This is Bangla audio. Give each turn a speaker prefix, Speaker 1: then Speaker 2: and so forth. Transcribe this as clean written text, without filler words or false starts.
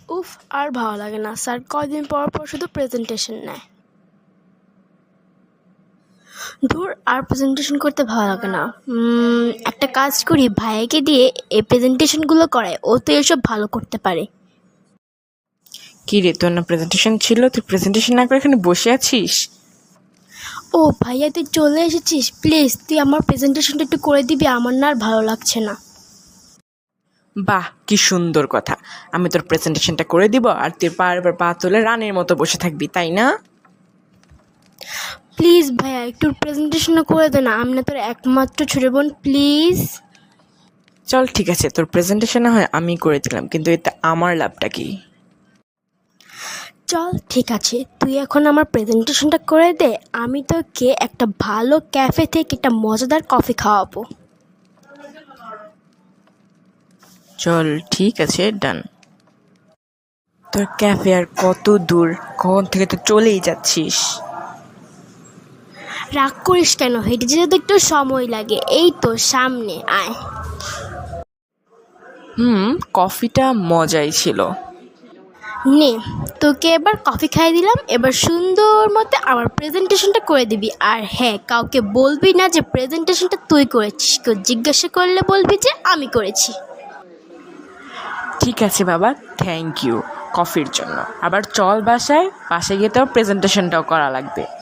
Speaker 1: উফ, আর ভালো লাগে না স্যার, কয়দিন পর পর শুধু প্রেজেন্টেশন নেয়। ধুর, আর প্রেজেন্টেশন করতে ভালো লাগে না। একটা কাজ করি, ভাইয়াকে দিয়ে এই প্রেজেন্টেশনগুলো করায়, ও তো এসব ভালো করতে পারে।
Speaker 2: কি রে, তোর না প্রেজেন্টেশন ছিল? তুই প্রেজেন্টেশন না করে এখানে বসে আছিস?
Speaker 1: ও ভাইয়া, তুই চলে এসেছিস, প্লিজ তুই আমার প্রেজেন্টেশনটা একটু করে দিবি, আমার না আর ভালো লাগছে না।
Speaker 2: বাহ, কি সুন্দর কথা। আমি তোর প্রেজেন্টেশনটা করে দিব আর তুই বারবার পা তুলে রানের মতো বসে থাকবি, তাই না?
Speaker 1: প্লিজ ভাইয়া, একটু প্রেজেন্টেশনটা করে দে না, আমি না তোর একমাত্র ছোট বোন, প্লিজ।
Speaker 2: চল ঠিক আছে, তোর প্রেজেন্টেশন না হয় আমি করে দিলাম, কিন্তু এতে আমার লাভটা কি?
Speaker 1: চল ঠিক আছে, তুই এখন আমার প্রেজেন্টেশনটা করে দে, আমি তোকে একটা ভালো ক্যাফে থেকে একটা মজাদার কফি খাওয়াবো।
Speaker 2: চল ঠিক আছে, ডান। তোর ক্যাফে আর কত দূর? কখন থেকে তো চলেই যাচ্ছিস।
Speaker 1: রাগ করিস কেন, হেঁটে যেতে তো একটু সময় লাগে, এই তো সামনে আয়।
Speaker 2: কফিটা মজাই ছিল।
Speaker 1: নে, তোকে এবার কফি খাইয়ে দিলাম, এবার সুন্দর মতো আমার প্রেজেন্টেশনটা করে দিবি। আর হ্যাঁ, কাউকে বলবি না যে প্রেজেন্টেশনটা তুই করেছিস, কেউ জিজ্ঞাসা করলে বলবি যে আমি করেছি।
Speaker 2: ঠিক আছে বাবা, থ্যাংক ইউ কফির জন্য। আবার চল বাসায় গিয়ে তো প্রেজেন্টেশনটাও করা লাগবে।